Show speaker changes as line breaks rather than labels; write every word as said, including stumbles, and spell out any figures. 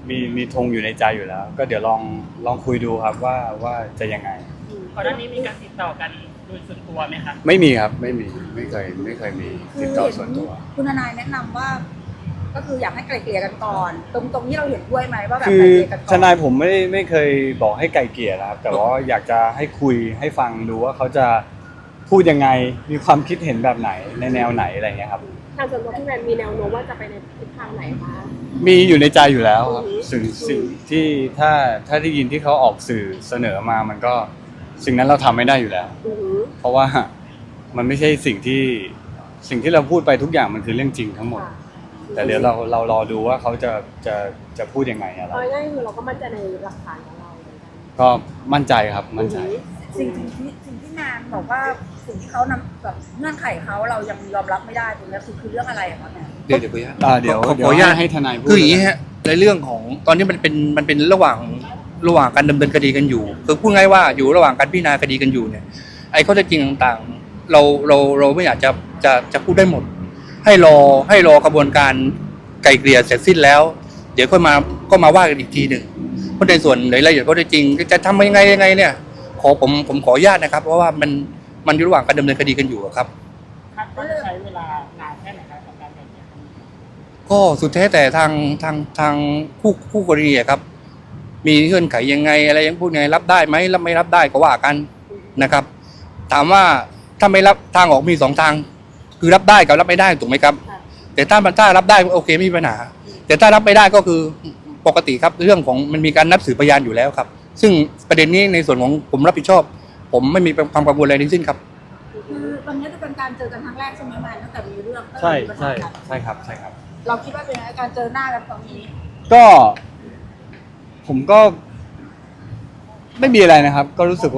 มีมีธงอยู่ในใจอยู่แล้ว ก็เดี๋ยวลองลองคุยดูครับว่าว่าจะยังไง
ก่อนหน้านี้มีการติดต่อกันโดยส่วนตัวไหมครับ
ไม่มีครับไม่มีไม่เคยไม่เคยมีติดต่อส่วนตัว
คุณทนายแนะนำว่าก็คืออยากให้ไกลเกลี่ยกันก่อน ตรงตรงนี้เราเห็นด้วยไหมว่าแบบ
คื
ไกล
อ
เกลี่ยกันก่อน
ทนายผมไม่ไม่เคยบอกให้ไกลเกลี่ยนะครับแต่ว่าอยากจะให้คุยให้ฟังดูว่าเขาจะพูดยังไงมีความคิดเห็นแบบไหนในแนวไหนอะไรเงี้ยครับ
ทางส่วนตัวพี่แมนมีแนวโน้มว่าจะไปในทิศทางไหนคะ
มีอยู่ในใจอยู่แล้วครับ
อือฮึ
สิ่งสิ่งที่ถ้าถ้าได้ยินที่เขาออกสื่อเสนอมามันก็สิ่งนั้นเราทำไม่ได้อยู่แล้ว
อือหือ
เพราะว่ามันไม่ใช่สิ่งที่สิ่งที่เราพูดไปทุกอย่างมันคือเรื่องจริงทั้งหมด
ค่ะ
แต่เดี๋ยวเราเรารอดูว่าเขาจะจะจะพูดยังไงอะไร
เอาง่ายๆคือเราก็มั่นใจในหลักฐานของเราเหมือนกัน
ก็มั่นใจครับมั่นใจ
สิ่งสิ่งที่สิ่งที่นานบอกว่าสิ่งที่เขานำแบบเงื่อนไขเขาเรายังยอมรับไม่ได้ตรงนี้คือคือเรื่องอะไรอะคะเนี่ย
เดี๋ยวเดี๋ยวขออนุญาต
อ่าเดี๋ยว
ขอ
เดี๋ยว
ขออนุญาต
ให้ทนายพูด
คืออย่างนี้ฮะในเรื่องของตอนนี้มันเป็นมันเป็นระหว่างระหว่างการดำเนินคดีกันอยู่คือพูดง่ายว่าอยู่ระหว่างการพิจารณาคดีกันอยู่เนี่ยไอ้ข้อเท็จจริงต่างๆเราเราเราไม่อยากจะจะจะพูดได้หมด ให้รอให้รอกระบวนการไกลเกลี่ยเสร็จสิ้นแล้ว เดี๋ยวก็มาก็มาว่ากันอีกทีหนึ่งเพราะในส่วนรายละเอียดข้อเท็จจริงจะทำยังไงยังไงเนี่ยขอผมผมขออนุญาตนะครับ เพราะว่ามันมันอยู่ระหว่างการดำเนินคดีกันอยู่อะครับ
คาดว่าจะใช้เวลานานแค่ไหนครับกับการไกล่เกลี่ย
ก็สุดแท้แต่ทางทางทางคู่คู่กรณีอะครับ มีเงื่อนไขยังไงอะไรยังพูดไงรับได้ไหมรับไม่รับได้ก็ว่ากันนะครับ ถามว่าถ้าไม่รับทางออกมีสองทาง คือรับได้กับรับไม่ได้ถูกไหมครับ
ค่ะ
แต่ถ้าถ้ารับได้โอเคไม่มีปัญหา แต่ถ้ารับไม่ได้ก็คือปกติครับเรื่องของมันมีการนัดสืบพยานอยู่แล้วครับ ซึ่งประเด็นนี้ในส่วนของผมรับผิดชอบ ผมไม่มีความกังวลอะไรทั้งสิ้นครับ
คือวันนี้จะเป็นการเจอกันครั้งแรกใช่ไหมแมนตั้งแต่มีเรื่องตั้งแต่
ใช่
มีปัญ
ใช่
หากัน
ใช่ครับใช่ครับ
เราคิดว่าเป็นไงการเจอหน้ากันครั้งนี้
ก็ ผมก็ ไม่มีอะไรนะครับ ก็รู้สึก